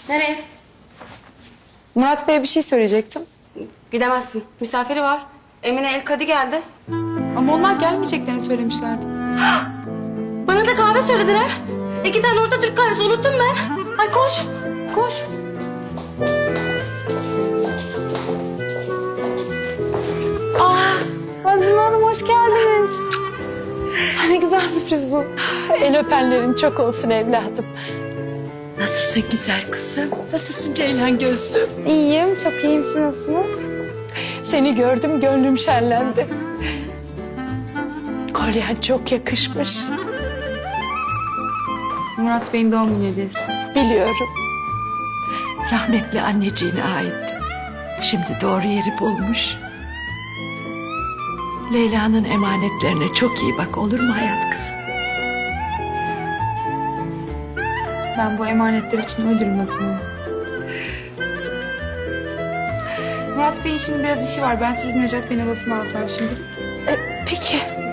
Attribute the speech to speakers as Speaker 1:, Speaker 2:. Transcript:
Speaker 1: Nereye?
Speaker 2: Murat Bey'e bir şey söyleyecektim.
Speaker 1: Gidemezsin. Misafiri var. Emine El Kadi geldi.
Speaker 2: Ama onlar gelmeyeceklerini söylemişlerdi.
Speaker 1: Bana da kahve söylediler. 2 tane orta Türk kahvesi unuttum ben. Ay koş. Koş.
Speaker 2: Azime Hanım hoş geldiniz. Ne güzel sürpriz bu.
Speaker 3: El öpenlerin çok olsun evladım. Nasılsın güzel kızım? Nasılsın Ceylan gözlüm?
Speaker 2: İyiyim, çok iyiyim. Siz nasılsınız?
Speaker 3: Seni gördüm gönlüm şenlendi. Kolyen çok yakışmış.
Speaker 2: Murat Bey'in doğum günü hediyesi.
Speaker 3: Biliyorum. Rahmetli anneciğine aitti. Şimdi doğru yeri bulmuş. Leyla'nın emanetlerine çok iyi bak, olur mu hayat kızım?
Speaker 2: Ben bu emanetler için ölürüm Azime Hanım. Murat Bey'in şimdi biraz işi var. Ben sizi Necat Bey'in odasına alsam şimdi.
Speaker 3: Peki.